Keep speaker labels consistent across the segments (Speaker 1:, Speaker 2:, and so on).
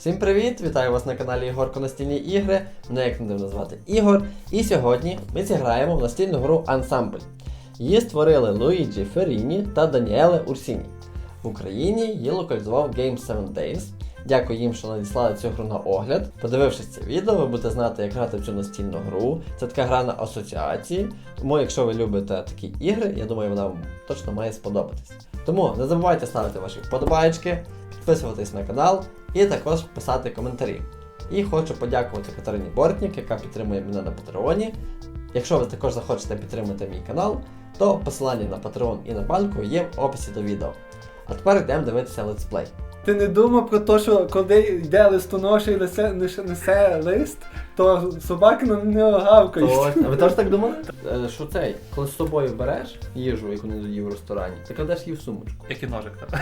Speaker 1: Всім привіт! Вітаю вас на каналі Ігорко Настільні ігри. Мене як не дивно звати Ігор. І сьогодні ми зіграємо в настільну гру Ensemble. Її створили Луїджі Ферріні та Даніеле Урсіні. В Україні її локалізував Game 7 Days. Дякую їм, що надіслали цю гру на огляд. Подивившись це відео, ви будете знати, як грати в цю настільну гру. Це така гра на асоціації. Тому, якщо ви любите такі ігри, я думаю, вона вам точно має сподобатись. Тому не забувайте ставити ваші вподобайки, підписуватись на канал і також писати коментарі. І хочу подякувати Катерині Бортнік, яка підтримує мене на Патреоні. Якщо ви також захочете підтримати мій канал, то посилання на Patreon і на банку є в описі до відео. А тепер йдемо дивитися летсплей.
Speaker 2: Ти не думав про те, що коли йде листоноша і несе лист, то собаки на нього гавкають.
Speaker 1: Точно. А ви теж так думали? Що цей, коли з собою береш їжу, яку не доїв в ресторані, ти кладеш її в сумочку.
Speaker 3: Як і ножик там.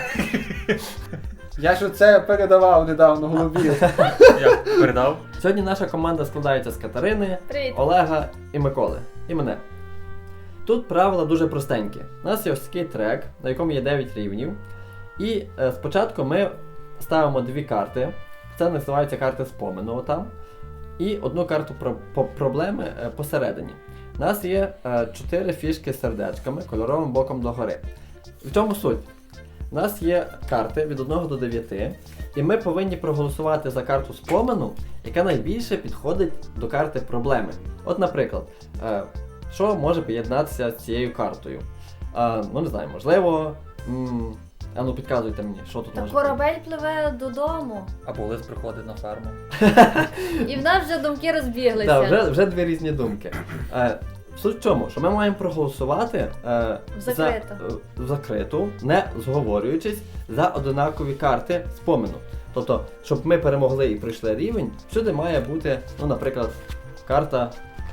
Speaker 2: Я ж оце передавав недавно голубі.
Speaker 3: Я передав.
Speaker 1: Сьогодні наша команда складається з Катерини,
Speaker 4: Привіт.
Speaker 1: Олега і Миколи. І мене. Тут правила дуже простенькі. У нас є ось такий трек, на якому є 9 рівнів. І спочатку ми ставимо дві карти. Це називається карти спомену там. І одну карту проблеми посередині. У нас є 4 фішки з сердечками кольоровим боком догори. В чому суть? У нас є карти від 1 до 9, і ми повинні проголосувати за карту спомену, яка найбільше підходить до карти проблеми. От, наприклад, що може поєднатися з цією картою? Ну, не знаю, можливо, ну підказуйте мені, що тут
Speaker 4: Та
Speaker 1: може бути.
Speaker 4: корабель пливе додому.
Speaker 3: Або лист приходить на ферму.
Speaker 4: І в нас вже думки розбіглися.
Speaker 1: Так, вже дві різні думки. Суть в чому? Що ми маємо проголосувати в закриту, не зговорюючись, за однакові карти спомену. Тобто, щоб ми перемогли і пройшли рівень, всюди має бути, ну, наприклад, карта.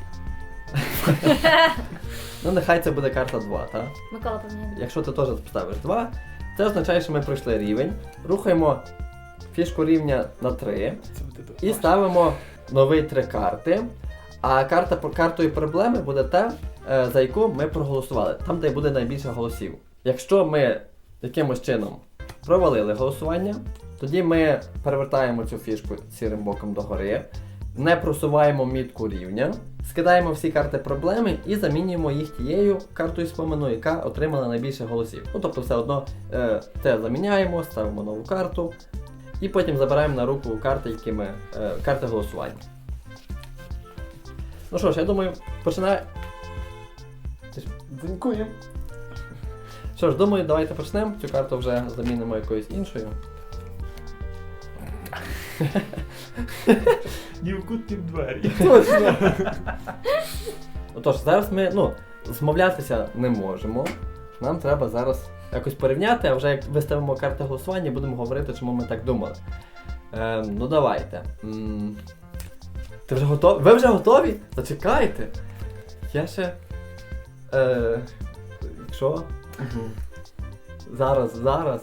Speaker 1: Ну, нехай це буде карта 2, так?
Speaker 4: Микола поміняє.
Speaker 1: Якщо ти теж поставиш 2, це означає, що ми пройшли рівень, рухаємо фішку рівня на 3 і ставимо нові 3 карти. А картою проблеми буде та, за яку ми проголосували, там, де буде найбільше голосів. Якщо ми якимось чином провалили голосування, тоді ми перевертаємо цю фішку сірим боком догори, не просуваємо мітку рівня, скидаємо всі карти проблеми і замінюємо їх тією картою спомену, яка отримала найбільше голосів. Ну, тобто все одно це заміняємо, ставимо нову карту і потім забираємо на руку карти голосування. Ну що ж, я думаю, починає.
Speaker 2: Дякую.
Speaker 1: Що ж, думаю, давайте почнемо. Цю карту вже замінимо якоюсь іншою.
Speaker 3: Ні в кут, ні в двері.
Speaker 2: Точно.
Speaker 1: Отож, зараз ми, змовлятися не можемо. Нам треба зараз якось порівняти, а вже як виставимо карти голосування, будемо говорити, чому ми так думали. Ну давайте. Ти вже готовий? Ви вже готові? Зачекайте. Я ще... Що? Зараз.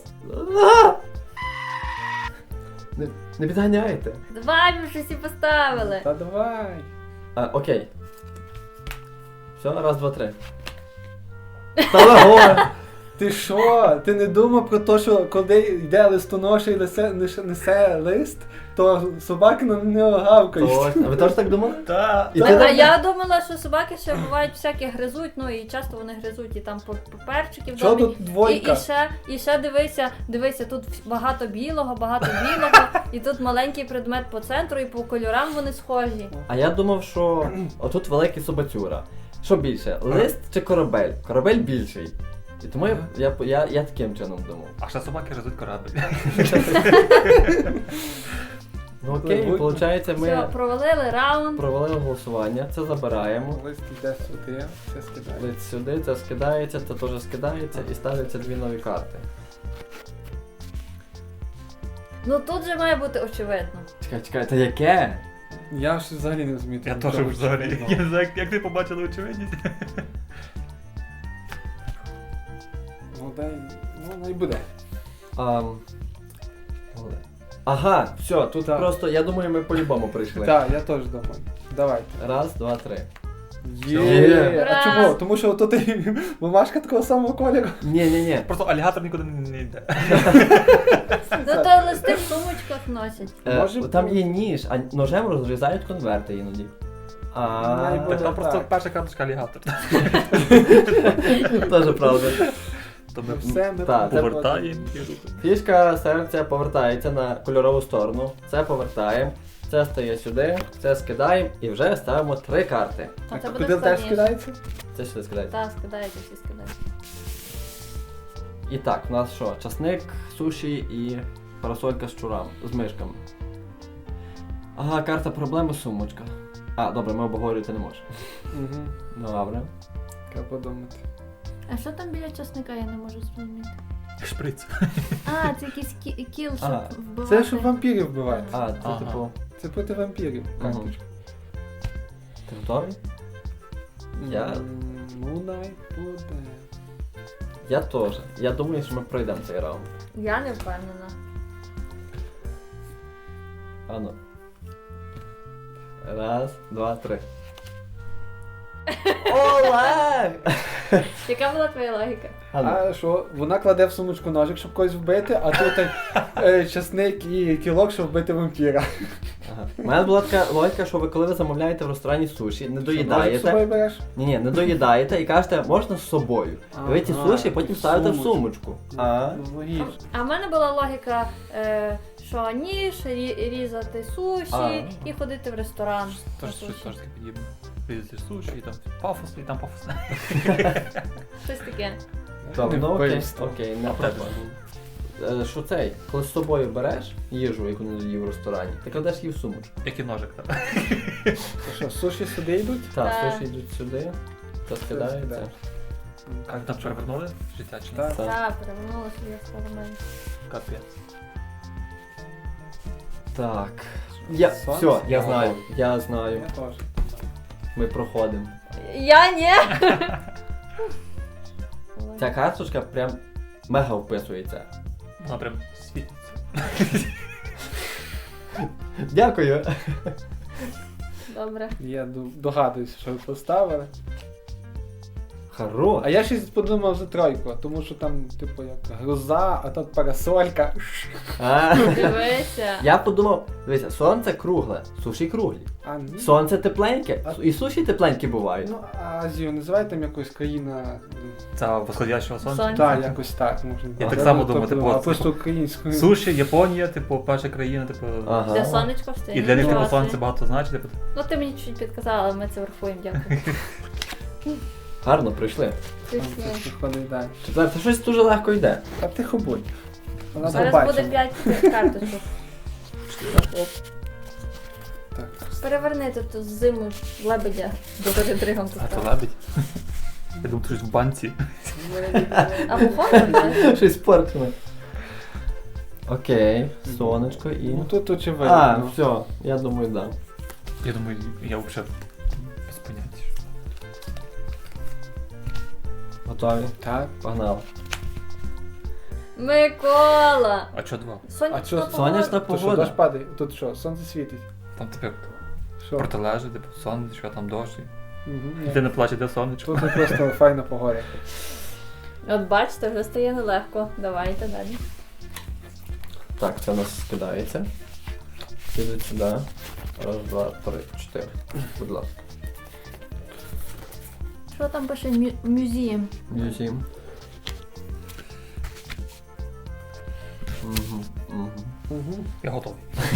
Speaker 1: Не підганяйте.
Speaker 4: Давай, ми вже всі поставили.
Speaker 2: Та давай.
Speaker 1: Окей. Все, раз, два, три. Та горе!
Speaker 2: Ти що? Ти не думав про те, що коли йде листоноша і несе лист, то собаки на нього гавкають.
Speaker 1: Точно. А ви теж так думали?
Speaker 3: Та.
Speaker 1: І ти
Speaker 4: А
Speaker 1: так-
Speaker 4: я думала, що собаки ще бувають всякі гризуть, ну і часто вони гризуть і там паперчики в
Speaker 2: Що
Speaker 4: домі.
Speaker 2: тут двойка?
Speaker 4: І ще дивися, тут багато білого, і тут маленький предмет по центру, і по кольорам вони схожі.
Speaker 1: А я думав, що отут великий собацюра. Що більше, лист чи корабель? Корабель більший. І тому я таким чином думав.
Speaker 3: А ще собаки гризуть корабель.
Speaker 1: Ну окей, виходить,
Speaker 4: Все,
Speaker 1: ми
Speaker 4: провалили раунд.
Speaker 1: провалили голосування, це забираємо.
Speaker 2: Лист йде сюди, це скидає.
Speaker 1: Лист сюди, це скидається, це теж скидається і ставляться дві нові карти.
Speaker 4: Ну тут же має бути очевидно.
Speaker 1: Чекай, це яке?
Speaker 2: Я ж взагалі не розумію.
Speaker 3: Я теж взагалі. Я не знаю, як ти побачили очевидність.
Speaker 2: Ну і буде.
Speaker 1: Ага, все, тут
Speaker 2: Так.
Speaker 1: просто, я думаю, ми по-любому прийшли.
Speaker 2: Так, я теж думаю. Давайте.
Speaker 1: Раз, два, три.
Speaker 2: Є.
Speaker 4: Ура!
Speaker 2: А чого? Тому що тут і бумажка такого самого кольору.
Speaker 1: Ні.
Speaker 3: Просто алігатор нікуди не йде.
Speaker 4: Ну то листи в сумочках носять.
Speaker 2: Може
Speaker 1: Там
Speaker 2: бути.
Speaker 1: є ніж, а ножем розрізають конверти іноді.
Speaker 2: Має бути.
Speaker 3: Так там просто
Speaker 2: так.
Speaker 3: перша карточка алігатор.
Speaker 1: Теж правда.
Speaker 3: То ми
Speaker 2: Все, ми
Speaker 1: Так.
Speaker 3: повертаємо і рухаємо.
Speaker 1: Фішка серця повертається на кольорову сторону. Це повертаємо, це стає сюди, це скидаємо і вже ставимо 3 карти.
Speaker 4: То це
Speaker 2: А
Speaker 4: буде
Speaker 2: куди теж
Speaker 4: складніше.
Speaker 2: скидається?
Speaker 1: Це сюди скидається.
Speaker 4: Так, скидається, всі скидають.
Speaker 1: І так, у нас що? Часник, суші і парасолька з чурами, з мишками. Ага, карта проблеми, сумочка. А, добре, ми обговорювати не можемо.
Speaker 2: Угу.
Speaker 1: Добре.
Speaker 2: Треба подумати.
Speaker 4: А що там біля часника, я не можу зрозуміти.
Speaker 3: Шприц.
Speaker 4: А, це якийсь кіл, щоб
Speaker 1: А,
Speaker 4: вбивати.
Speaker 2: Це щоб вампірів вбивати.
Speaker 1: А, це
Speaker 3: Ага.
Speaker 1: типу.
Speaker 2: Це проти вампірів карточка.
Speaker 1: Ти готовий? Я-
Speaker 2: Ну, най буде.
Speaker 1: Я теж. Я думаю, що ми пройдемо цей раунд.
Speaker 4: Я не впевнена.
Speaker 1: Ану. Раз, два, три. Олег!
Speaker 4: Яка була твоя логіка?
Speaker 1: Ану.
Speaker 2: А що, вона кладе в сумочку ножик, щоб когось вбити, а тут часник і кілок, щоб вбити вампіра.
Speaker 1: Ага. У мене була така логіка, що ви коли ви замовляєте в ресторані суші, не
Speaker 2: Ножик з собою
Speaker 1: доїдаєте.
Speaker 2: береш?
Speaker 1: Ні, не доїдаєте і кажете, можна з собою. І ви ті
Speaker 2: Ага,
Speaker 1: суші потім ставите в
Speaker 2: сумочку.
Speaker 1: сумочку. А?
Speaker 2: Ну, логічно.
Speaker 4: А в мене була логіка, що ніж, різати суші
Speaker 1: А.
Speaker 4: і ходити в ресторан.
Speaker 3: Тож
Speaker 4: на
Speaker 3: щось
Speaker 4: суші.
Speaker 3: теж таке подібне. Різати суші, і там пафос, і там пафос.
Speaker 4: Щось таке.
Speaker 1: Добре, ну окей,
Speaker 2: Вбивство.
Speaker 1: окей, не
Speaker 3: А в тебе?
Speaker 1: проблема. Що цей? Коли з собою береш їжу, яку не доїв в ресторані, ти кладеш її в сумочку.
Speaker 3: Як і ножик, так.
Speaker 2: То що, суші сюди йдуть?
Speaker 1: Так,
Speaker 4: Так.
Speaker 1: суші йдуть сюди, це скидається.
Speaker 2: скидається.
Speaker 3: А там перевернули життя чи ні?
Speaker 2: Так.
Speaker 1: Так.
Speaker 4: Так, перевернула собі експеримент.
Speaker 3: Капець.
Speaker 1: Так. Я,
Speaker 2: Сонце?
Speaker 1: все, я знаю.
Speaker 2: Я теж.
Speaker 1: Ми проходимо.
Speaker 4: Я ні!
Speaker 1: Ця карточка прям мега вписується.
Speaker 3: Вона прям світиться.
Speaker 1: Дякую.
Speaker 4: Добре.
Speaker 2: Я догадуюся, що ви поставили.
Speaker 1: Хорош.
Speaker 2: А я щось подумав за тройку, тому що там, типу, як гроза, а тут парасолька.
Speaker 1: А.
Speaker 4: Дивися.
Speaker 1: Я подумав, дивися, сонце кругле, суші круглі.
Speaker 2: А ні.
Speaker 1: Сонце тепленьке,
Speaker 2: А-
Speaker 1: і суші тепленькі бувають.
Speaker 2: Ну, а Азію називають там якось країна.
Speaker 3: Це восходящого сонця.
Speaker 4: Сонце.
Speaker 2: Так, якось так може.
Speaker 3: Я так
Speaker 2: А,
Speaker 3: само
Speaker 2: тобто,
Speaker 3: думав, типу,
Speaker 2: а
Speaker 3: от,
Speaker 2: просто
Speaker 3: типу,
Speaker 2: українською.
Speaker 3: Суші, Японія, типу, перша країна, типу.
Speaker 1: Ага.
Speaker 4: Де сонечко встає.
Speaker 3: І для них типу
Speaker 4: Класний.
Speaker 3: сонце багато значить, типу.
Speaker 4: Ну ти мені чуть підказала, але ми це врахуємо, дякую.
Speaker 1: Гарно пройшли.
Speaker 2: Там
Speaker 4: Пішли.
Speaker 2: щось виходить далі.
Speaker 1: Четверте, щось дуже легко йде.
Speaker 2: А тихо будь. Вона
Speaker 4: Зараз
Speaker 2: побачила.
Speaker 4: буде 5 карточок.
Speaker 2: Так.
Speaker 4: Переверни тут зиму лебедя до передригом тут.
Speaker 3: А то лебідь. Я думаю, щось в банці.
Speaker 4: А виходить, так?
Speaker 1: Щось поркне. Окей, сонечко і.
Speaker 2: Ну тут
Speaker 1: А,
Speaker 2: очевидно.
Speaker 1: все, я думаю, да.
Speaker 3: Я думаю, я взагалі без поняття.
Speaker 1: Готові?
Speaker 2: Так.
Speaker 1: Погнали.
Speaker 4: Микола!
Speaker 3: А чо два?
Speaker 4: Сонячна
Speaker 2: А що,
Speaker 4: погода.
Speaker 1: сонячна
Speaker 2: То що,
Speaker 1: погода.
Speaker 2: дощ падає? Тут що, сонце світить?
Speaker 3: Там таке
Speaker 2: Що?
Speaker 3: протилежить, типу, сонечко, там дощ.
Speaker 2: Угу,
Speaker 3: Ти не плаче, де сонечко.
Speaker 2: Тут просто файна погода.
Speaker 4: От бачите, вже стає нелегко. Давайте далі.
Speaker 1: Так, це у нас скидається. Підуть сюди. Раз, два, три, чотири. Будь ласка.
Speaker 4: Що там пише мюзієм?
Speaker 1: Мюзім. Угу, угу.
Speaker 2: Угу.
Speaker 3: Я готовий.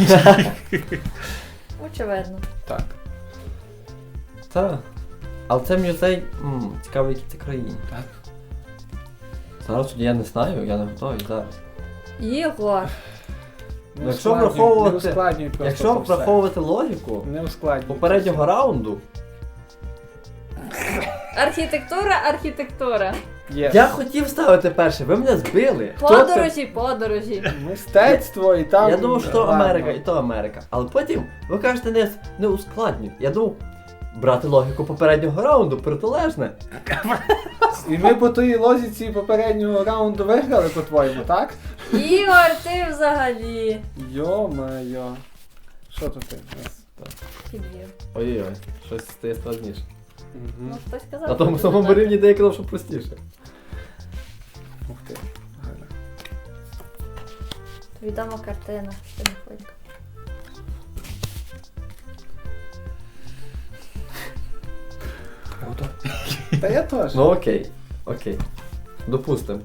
Speaker 4: Очевидно.
Speaker 2: Так.
Speaker 1: Так. Але це музей. Цікаво, які це країни.
Speaker 2: Так.
Speaker 1: Зараз тоді я не знаю, я не готовий зараз.
Speaker 4: Єгор.
Speaker 2: Не
Speaker 1: Якщо
Speaker 2: ускладнюй,
Speaker 1: враховувати-
Speaker 2: не ускладнюй просто
Speaker 1: Якщо
Speaker 2: то все.
Speaker 1: враховувати логіку
Speaker 2: Не ускладнюй.
Speaker 1: попереднього раунду,
Speaker 4: Архітектура.
Speaker 2: Є.
Speaker 1: я хотів ставити перше, ви мене збили. Хто це?
Speaker 4: Подорожі.
Speaker 2: Мистецтво і там.
Speaker 1: Я думав, що то
Speaker 2: Ладно.
Speaker 1: Америка, і то Америка. Але потім ви кажете не ускладнюй. Я думав, брати логіку попереднього раунду протилежне.
Speaker 2: І ми по тій лозіці попереднього раунду виграли, по-твоєму, так?
Speaker 4: Ігор, ти взагалі.
Speaker 2: Йо-моє. Що тут ти?
Speaker 4: Підвів.
Speaker 1: Ой-ой, щось стає складніше.
Speaker 4: Ну, хтось казав.
Speaker 1: На тому
Speaker 4: що
Speaker 1: самому
Speaker 4: так.
Speaker 1: рівні деякі що простіше.
Speaker 2: Ух ти. Гарно.
Speaker 4: Відома картина. Ти не хвилька.
Speaker 3: Круто.
Speaker 2: Та я теж.
Speaker 1: Ну окей. Окей. Допустим.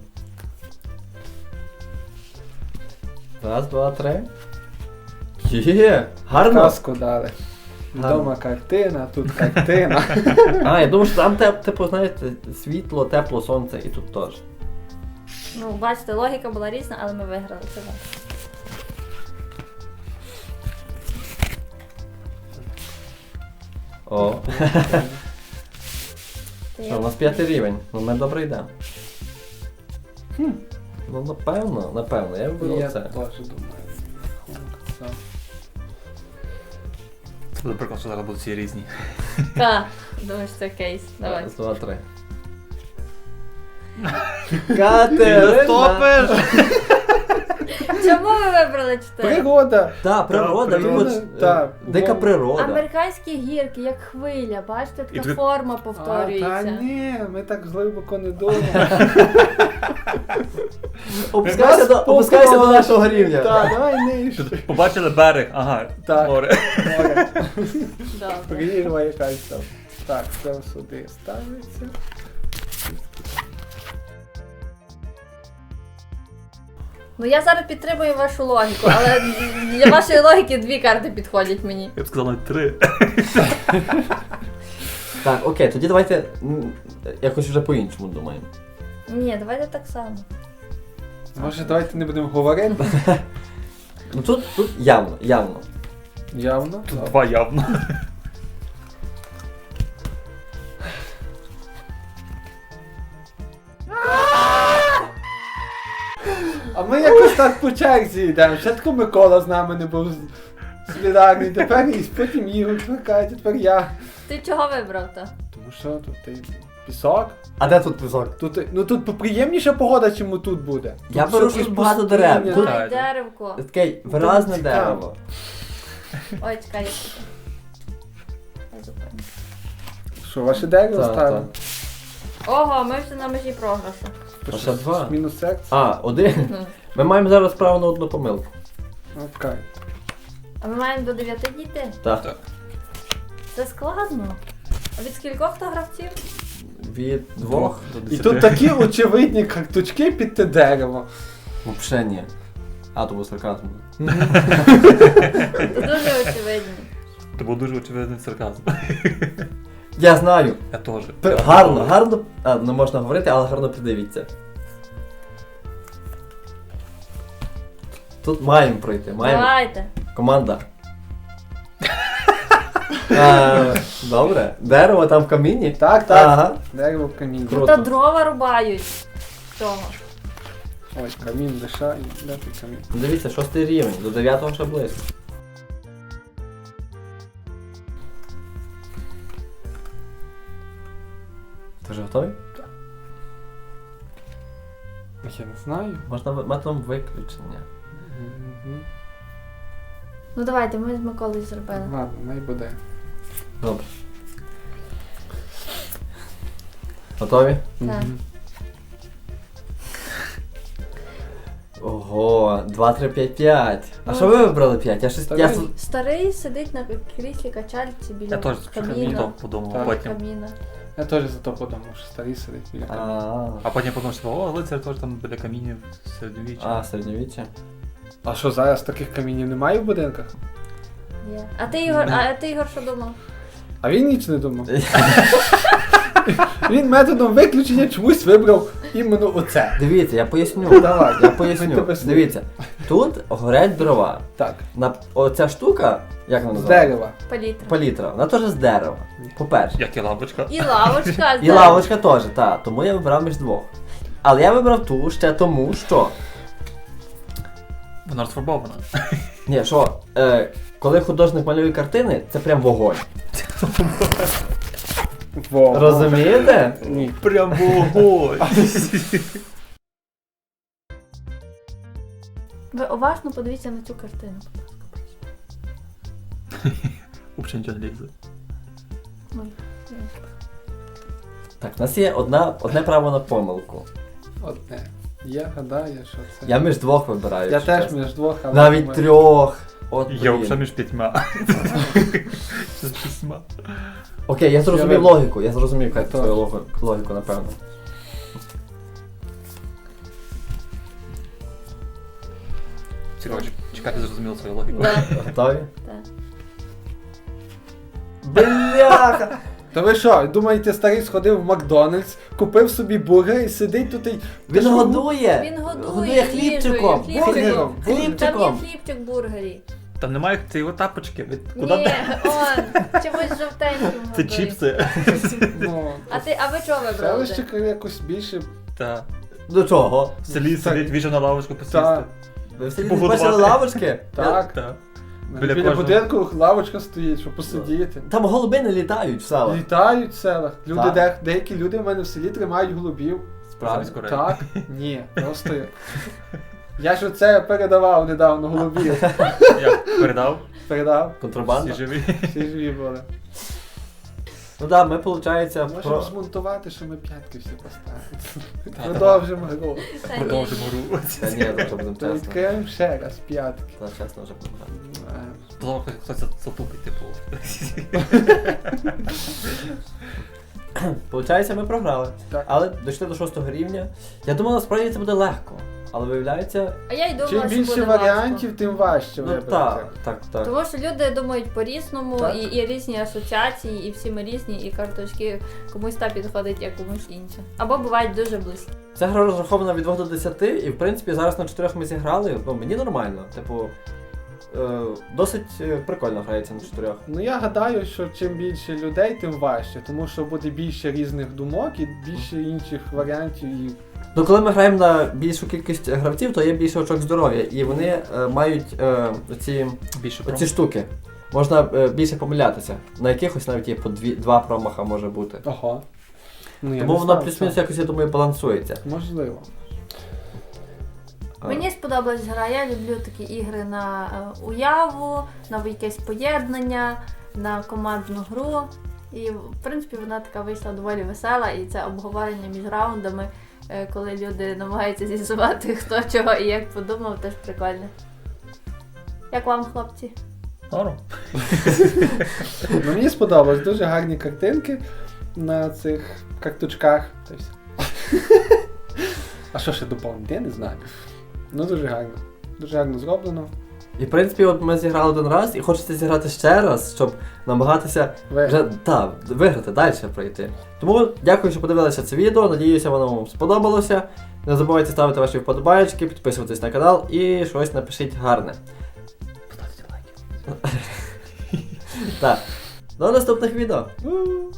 Speaker 1: Раз, два, три. Є! Гарно!
Speaker 2: Казку дали. Відома картина, тут картина.
Speaker 1: А, я думаю, що там типу, знаєте, світло, тепло, сонце і тут теж.
Speaker 4: Ну, бачите, логіка була різна, але ми виграли. Це так.
Speaker 1: О.
Speaker 4: Ти
Speaker 1: Що, у нас 5 рівень. Ну ми добре йдемо. Ну напевно, я виберу
Speaker 2: Я
Speaker 1: це.
Speaker 2: теж думаю. Так.
Speaker 3: Це буде прикол, що зараз будуть всі різні.
Speaker 4: Та, думаєш, це кейс. Давай.
Speaker 1: Раз, два, три. Катерина!
Speaker 4: Чому ви вибрали 4?
Speaker 2: Природа.
Speaker 1: Так, природа,
Speaker 2: природа, так.
Speaker 1: дика природа.
Speaker 4: Американські гірки, як хвиля, бачите,
Speaker 3: І
Speaker 4: така
Speaker 3: тут-
Speaker 4: форма
Speaker 2: Та
Speaker 4: повторюється.
Speaker 2: ні, ми так глибоко не думаємо.
Speaker 1: Опускайся до нашого рівня.
Speaker 2: Так, давай нижче.
Speaker 3: Побачили берег, ага,
Speaker 2: Так.
Speaker 3: море.
Speaker 2: Море.
Speaker 4: Добре.
Speaker 2: Прірва якась там. Так, це сюди ставиться.
Speaker 4: Ну я зараз підтримую вашу логіку, але для вашої логіки 2 карти підходять мені.
Speaker 3: Я б сказав навіть 3.
Speaker 1: Так, окей, тоді давайте якось вже по-іншому думаємо.
Speaker 4: Ні, давайте так само.
Speaker 2: Може, давайте не будемо говорити?
Speaker 1: Ну тут явно.
Speaker 2: Явно.
Speaker 3: Тут 2 явно.
Speaker 2: А ми якось так по черзі йдемо. Спочатку Микола з нами не був солідарний, тепер і потім Ігор чекає, тепер я.
Speaker 4: Ти чого вибрав то?
Speaker 2: Тому що тут і пісок.
Speaker 1: А де тут пісок?
Speaker 2: Тут поприємніша погода, чим тут буде.
Speaker 1: Я
Speaker 2: Тут
Speaker 1: беру
Speaker 2: все
Speaker 1: щось багато
Speaker 2: пустиня.
Speaker 1: дерев. Тут-
Speaker 4: Ой, деревко.
Speaker 1: Таке виразне
Speaker 2: цікаво.
Speaker 1: дерево.
Speaker 4: Ой, чекай, я тут. Я зупиню.
Speaker 2: Що, ваше дерево
Speaker 1: Так,
Speaker 2: ставимо?
Speaker 4: Ого, ми вже на межі програшу.
Speaker 1: А ще 2.
Speaker 2: Мінус секція.
Speaker 1: А, 1. Ми маємо зараз право на одну помилку.
Speaker 2: Окей.
Speaker 4: А ми маємо до 9 дійти?
Speaker 1: Так.
Speaker 4: Це складно. А від скількох то гравців?
Speaker 1: Від 2.
Speaker 2: І тут такі очевидні карточки під те дерево.
Speaker 1: Взагалі ні. А, то був сарказм.
Speaker 4: Це дуже очевидно.
Speaker 3: Це був дуже очевидний сарказм.
Speaker 1: Я знаю.
Speaker 3: Я теж.
Speaker 1: Гарно. А, не можна говорити, але гарно придивіться. Тут маємо пройти. Маємо.
Speaker 4: Давайте.
Speaker 1: Команда. Добре. Дерево там в камінні.
Speaker 2: Так, так.
Speaker 1: Ага.
Speaker 2: Дерево в камінь.
Speaker 1: Круто.
Speaker 4: Та дрова рубають. Цього.
Speaker 2: Ой, камінь лиша і де тут камінь.
Speaker 1: Дивіться, 6 рівень. До 9 ще близько. Ти вже готовий?
Speaker 2: Я не знаю.
Speaker 1: Можна методом виключення.
Speaker 2: Мгм.
Speaker 4: Ну давайте, ми з Миколою зробили.
Speaker 2: Ладно, най буде.
Speaker 1: Добре. Готові?
Speaker 4: Так.
Speaker 2: Мгм.
Speaker 1: Ого, 2, 3, 5, 5. А
Speaker 4: Ну,
Speaker 1: що ви вибрали 5? Я щось.
Speaker 2: Та
Speaker 1: Я...
Speaker 2: ви-
Speaker 4: Старий сидить на кріслі качальці біля
Speaker 3: Я теж
Speaker 4: каміна.
Speaker 3: подумав,
Speaker 2: Так.
Speaker 3: потім.
Speaker 4: Каміна.
Speaker 2: Я теж за то подумав, що старий сидить біля каміння.
Speaker 3: А потім подумав, що о, лицар теж там біля камінів середньовіччя.
Speaker 1: А, середньовіччя.
Speaker 2: А що, зараз таких камінів немає в будинках?
Speaker 4: Є. А ти, Ігор, що думав?
Speaker 2: А він ніч не думав. Він методом виключення чомусь вибрав іменно оце.
Speaker 1: Дивіться, я поясню.
Speaker 2: Давай.
Speaker 1: Я
Speaker 2: Ми
Speaker 1: поясню.
Speaker 2: тебе слухаємо.
Speaker 1: Дивіться, тут горять дрова.
Speaker 2: Так,
Speaker 1: Оця штука, як вона
Speaker 2: з
Speaker 1: називається?
Speaker 2: дерева.
Speaker 4: Палітра.
Speaker 1: Палітра. Вона теж з дерева. По-перше.
Speaker 3: Як і лавочка.
Speaker 4: І лавочка.
Speaker 1: І лавочка теж, так. Тому я вибрав між двох. Але я вибрав ту ще тому, що.
Speaker 3: Вона розфарбована.
Speaker 1: Ні, що, коли художник малює картини, це прям вогонь.
Speaker 2: Во.
Speaker 1: Розумієте?
Speaker 2: Ні.
Speaker 3: Прям вогонь.
Speaker 4: Ви уважно подивіться на цю картину.
Speaker 3: Взагалі нічого не лізе.
Speaker 4: Ой.
Speaker 1: Так, у нас є одне право на помилку.
Speaker 2: Одне. Я гадаю, що це.
Speaker 1: Я між двох вибираю.
Speaker 2: Я
Speaker 1: якщо
Speaker 2: теж
Speaker 1: чесно.
Speaker 2: між двох, але
Speaker 1: Навіть
Speaker 2: думаю,
Speaker 1: трьох. От,
Speaker 3: Я
Speaker 1: блін.
Speaker 3: вже між 5. З 8.
Speaker 1: Окей, я зрозумів
Speaker 2: Я
Speaker 1: логіку. Я зрозумів
Speaker 2: Я
Speaker 1: твою
Speaker 2: теж.
Speaker 1: логіку, напевно.
Speaker 3: Цікаво, чекати зрозуміло свою логіку.
Speaker 4: Да.
Speaker 1: Готові?
Speaker 4: Так.
Speaker 1: Бляха!
Speaker 2: Та ви що, думаєте, старий сходив в Макдональдс, купив собі бургер і сидить тут і...
Speaker 1: Він годує!
Speaker 4: Він годує
Speaker 1: Годує хлібчиком!
Speaker 4: їжею,
Speaker 2: хлібчиком.
Speaker 4: Там є
Speaker 1: Хлібчиком!
Speaker 4: хлібчик в бургері.
Speaker 3: Там немає цієї тапочки. Куди
Speaker 4: Ні,
Speaker 3: де?
Speaker 4: он, чимось жовтеньким
Speaker 3: Це
Speaker 4: годує.
Speaker 3: чіпси.
Speaker 2: Ну,
Speaker 4: А ви чого вибрали?
Speaker 2: селище якось більше...
Speaker 3: Та.
Speaker 1: До чого?
Speaker 3: В селі
Speaker 2: Так.
Speaker 3: сидить, віжу на лавочку посісти.
Speaker 2: Так.
Speaker 1: Ви в селі не
Speaker 3: Погодувати.
Speaker 1: бачили лавочки?
Speaker 2: Так,
Speaker 3: Та.
Speaker 2: біля
Speaker 3: кожного.
Speaker 2: будинку лавочка стоїть, щоб посидіти.
Speaker 1: Там голуби не літають в селах.
Speaker 2: Літають в селах. Люди,
Speaker 1: Так.
Speaker 2: деякі люди в мене в селі тримають голубів.
Speaker 1: Справді.
Speaker 3: Замість курей.
Speaker 2: Так? Ні, просто як. Я ж оце передавав недавно голубів.
Speaker 3: Я передав.
Speaker 2: Передав.
Speaker 1: Контрабанда?
Speaker 3: Всі живі.
Speaker 2: Всі живі були.
Speaker 1: Ну так, ми, виходить,
Speaker 2: Можемо
Speaker 1: про...
Speaker 2: змонтувати, що ми п'ятки всі поставимо.
Speaker 3: Та,
Speaker 2: Продовжимо гру.
Speaker 4: Та ні.
Speaker 3: Продовжимо гру.
Speaker 1: Та ні, то будемо
Speaker 2: То
Speaker 1: чесно.
Speaker 2: відкриємо ще раз п'ятки.
Speaker 1: Та чесно вже будемо грати.
Speaker 3: Знову хтось затупить, типу.
Speaker 1: Получається, ми програли.
Speaker 2: Так.
Speaker 1: Але дійшли до 6-го рівня. Я думав, насправді це буде легко. Але виявляється,
Speaker 4: А я й думала,
Speaker 2: Чим
Speaker 4: що
Speaker 2: більше
Speaker 4: буде
Speaker 2: варіантів, тим важче
Speaker 1: ну
Speaker 2: вибрати.
Speaker 1: так.
Speaker 4: Тому що люди думають по-різному,
Speaker 2: Так.
Speaker 4: і різні асоціації, і всі ми різні, і карточки комусь та підходить, а комусь інше. Або бувають дуже близькі.
Speaker 1: Ця гра розрахована від 2 до 10, і в принципі зараз на 4 ми зіграли. Ну, мені нормально. Типу, досить прикольно грається на 4.
Speaker 2: Ну я гадаю, що чим більше людей, тим важче, тому що буде більше різних думок і більше інших варіантів. І...
Speaker 1: Ну, коли ми граємо на більшу кількість гравців, то є більше очок здоров'я, і вони мають
Speaker 3: Більше
Speaker 1: оці штуки. Можна більше помилятися. На якихось навіть є по 2 промаха може бути.
Speaker 2: Ого. Ну, я
Speaker 1: Тому
Speaker 2: не
Speaker 1: воно
Speaker 2: знав
Speaker 1: плюс-мінус
Speaker 2: цього.
Speaker 1: якось, я думаю, балансується.
Speaker 2: Можливо.
Speaker 4: Мені сподобалась гра, я люблю такі ігри на уяву, на якесь поєднання, на командну гру. І в принципі вона така вийшла доволі весела, і це обговорення між раундами, коли люди намагаються з'ясувати, хто чого і як подумав, теж прикольне. Як вам, хлопці?
Speaker 3: Норм.
Speaker 2: Ну, мені сподобалось, дуже гарні картинки на цих карточках. Та й все. А що ще доповнити? Я не знаю. Ну дуже гарно. Дуже гарно зроблено.
Speaker 1: І в принципі, от ми зіграли один раз, і хочеться зіграти ще раз, щоб намагатися вже виграти, далі пройти. Тому дякую, що подивилися це відео. Надіюся, воно вам сподобалося. Не забувайте ставити ваші вподобайки, підписуватись на канал і щось напишіть гарне.
Speaker 3: Поставте лайки.
Speaker 1: Так. До наступних відео.
Speaker 2: У.